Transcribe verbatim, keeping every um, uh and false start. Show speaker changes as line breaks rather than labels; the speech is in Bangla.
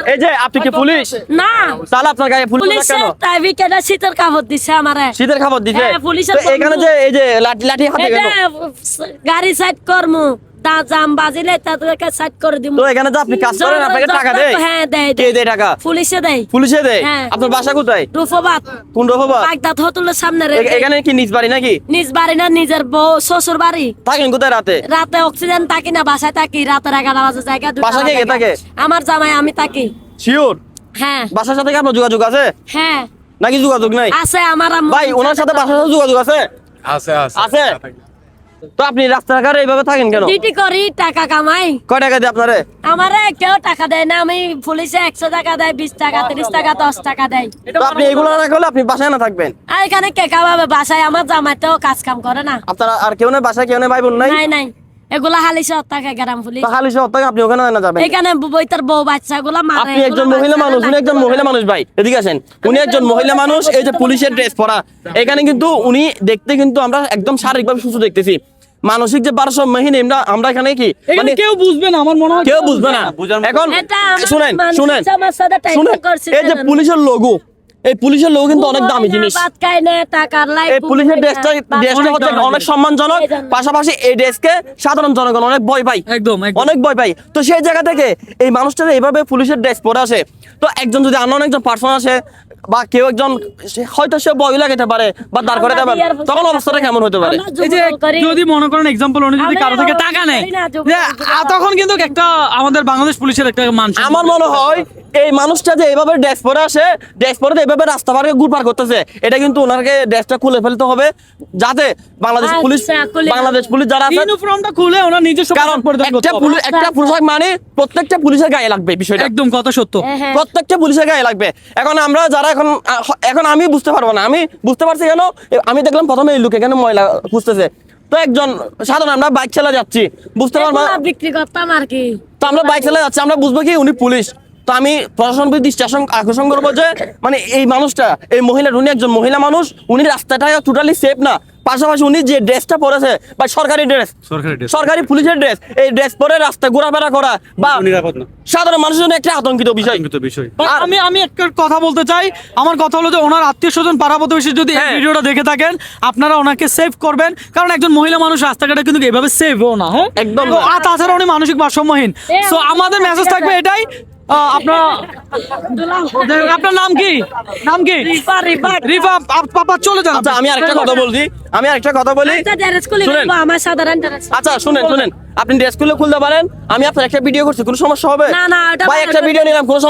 এই যে আপনি কি পুলিশ
না
তাহলে আপনার গায়ে পুলিশ কেন
প্রাইভেট এটা শীতের কাপড় দিছে আমারে
শীতের খাবার দিছে
হ্যাঁ, পুলিশের
তো এখানে যে এই যে লাঠি লাঠি হাতে
এটা
গেল
গাড়ি সাইড করমু তা জাম বাজিলে তাদেরকে সাইড করে দিমু
তো এখানে যে আপনি কাজ করেন আপনাকে টাকা দেয়
হ্যাঁ দেয়
কে দেয় টাকা
পুলিশে দেয়
পুলিশে দেয়
হ্যাঁ।
আপনার বাসা কোথায়
রূপবাদ
কোন রহবা
বাগদাদ হোটেলের সামনে রে
এ- এখানে কি নিজ বাড়ি নাকি
নিজ বাড়ি না নিজের বউ শ্বশুর বাড়ি
থাকেন কোথায় রাতে
রাতে অক্সিজেন থাকি না বাসায় থাকি রাতের এগারো বাজে জায়গা দুটা
বাসায় কে কে
বাজে।
থাকে?
আমার জামাই আমি থাকি
শিওর
হ্যাঁ
বাসার সাথে কি আপনার যোগাযোগ আছে
হ্যাঁ
নাকি যোগাযোগ নাই
আছে আমার আম্মু।
ভাই ওনার সাথে বাসার সাথে যোগাযোগ আছে
আছে আছে
আছে তো আপনি রাস্তাঘাটে এইভাবে থাকেন কেন
ডিউটি করি টাকা কামাই
কয় টাকা দিয়ে আপনারে
আমারে কেউ টাকা দেয় না আমি পুলিশে একশো টাকা দেয় বিশ টাকা তিরিশ টাকা দশ টাকা দেয়
তো আপনি এগুলো না করলে আপনি বাসায় না থাকবেন
আর এখানে কে কামাবে বাসায় আমার জামাই তো কাজ কাম করে না
আপনারা আর কেউ নেই বাসায় কেউ নেই ভাই বোন নাই
নাই নাই এগুলা হালিশে টাকা গ্রাম পুলিশ
তো খালি শহর থেকে আপনি ওখানে না যাবেন
এখানে বইতার বউ বাচ্চা গুলা মারে
আপনি একজন মহিলা মানুষ উনি একজন মহিলা মানুষ ভাই এদিকে আসেন উনি একজন মহিলা মানুষ এই যে পুলিশের ড্রেস পরা এখানে কিন্তু উনি দেখতে কিন্তু আমরা একদম শারীরিকভাবে সুস্থ দেখতেছি মানসিক যে ভারসাম্যহীন আমরা আমরা এখানে কি মানে
কেউ বুঝবে না আমার মনে হয়
কেউ বুঝবে না এখন
এটা আমার
শুনেন
মানুষ
শুনেন
আমার সাথে টাইপ
শুনেন
করছে
এই যে পুলিশের লোগো এই পুলিশের লোগো কিন্তু অনেক দামি জিনিস
ভাত খায় না টাকার লাই
এই পুলিশের ড্রেসটা ড্রেসটা হচ্ছে অনেক সম্মানজনক
এই জন্য।
পাশাপাশি এই ড্রেসকে সাধারণ জনগণ অনেক ভয় পায়
একদম, একদম।
অনেক ভয় পায় তো সেই জায়গা থেকে এই মানুষটা এইভাবে পুলিশের ড্রেস পরে আসে তো একজন যদি অন্য একজন পার্সন আসে বা কেউ একজন সে- হয়তো সে ভয় লাগাতে পারে বা দাঁড় করে দেবেন তখন অবস্থাটা কেমন হতে পারে
আমরা
এই যে
যুবদল করি।
যদি মনে করেন এক্সাম্পল উনি যদি
আমরা
কারো থেকে
এরকম
টাকা নেয়
করি না, যুবদল
যে,
করি।
আ, তখন কিন্তু একটা আমাদের বাংলাদেশ পুলিশের একটা মান সম্মান।
আমার মনে হয় এই মানুষটা যে এইভাবে ড্রেস পরে আসে ড্রেস পরে তো এইভাবে রাস্তা পারে ঘুরপার করতেছে এটা কিন্তু ওনাকে ড্রেসটা খুলে ফেলতে হবে যাতে বাংলাদেশ
আচ্ছা,
পুলিশ
খুলে
বাংলাদেশ পুলিশ যারা আছে
ইউনিফর্মটা খুলে ওনার নিজস্ব
কারণ
পোশাক পরিধান করতে
একটা
হবে।
পুলিশ একটা পোশাক মানে প্রত্যেকটা পুলিশের গায়ে লাগবে বিষয়টা
একদম কথা সত্য
হ্যাঁ, হ্যাঁ।
প্রত্যেকটা পুলিশের গায়ে লাগবে এখন আমরা যারা এখন আহ, এখন আমি বুঝতে পারবো না আমি বুঝতে পারছি কেন এ- আমি দেখলাম প্রথমে এই লোক এখানে ময়লা খুঁজতেছে তো একজন সাধারণ আমরা বাইক চালা যাচ্ছি বুঝতে পারবো
এগুলা বিক্রি করতাম আর কি
তো আমরা বাইক চালা যাচ্ছি আমরা বুঝবো কি উনি পুলিশ তো আমি প্রশাসন দৃষ্টি আকর্ষণ- আকর্ষণ করবো যে মানে এই মানুষটা এই মহিলা উনি একজন মহিলা মানুষ উনি রাস্তাটা টোটালি সেফ না পাশাপাশি উনি যে ড্রেসটা পরেছে বা সরকারি ড্রেস
সরকারি ড্রেস
সরকারি পুলিশের ড্রেস এই ড্রেস পরে রাস্তায় ঘোরাফেরা করা বা
নিরাপদ না
সাধারণ মানুষের জন্য একটা আতঙ্কিত বিষয়
কিন্তু বিষয়
আর-
আমি আমি একটা কথা বলতে চাই আমার কথা হলো যে ওনার আত্মীয় স্বজন পাড়া প্রতিবেশী যদি এই
হ্যাঁ।
ভিডিওটা দেখে থাকেন আপনারা ওনাকে সেভ করবেন কারণ একজন মহিলা মানুষ রাস্তাঘাটে কিন্তু এভাবে সেভও না হ্যাঁ
একদম
তো
না।
আর তাছাড়া উনি মানসিক ভারসাম্যহীন সো আমাদের মেসেজ থাকবে এটাই আহ, আপনারা আপনার নাম কি নাম কি
রিফা রিফা
রিফা আপ- পাপা চলে যান
আচ্ছা আমি আরেকটা কথা বলছি আমি আরেকটা কথা বলি
একটা ড্রেস খুলে
শুনেন।
ফেলবো, আমার সাধারণ ড্রেস
আচ্ছা শুনেন শুনেন আপনি ড্রেস খুলে খুলতে পারেন আমি আপনার একটা ভিডিও করছি কোনো সমস্যা হবে
না, না, ওটা
ভাই একটা
ভালো
ভিডিও নিলাম কোনো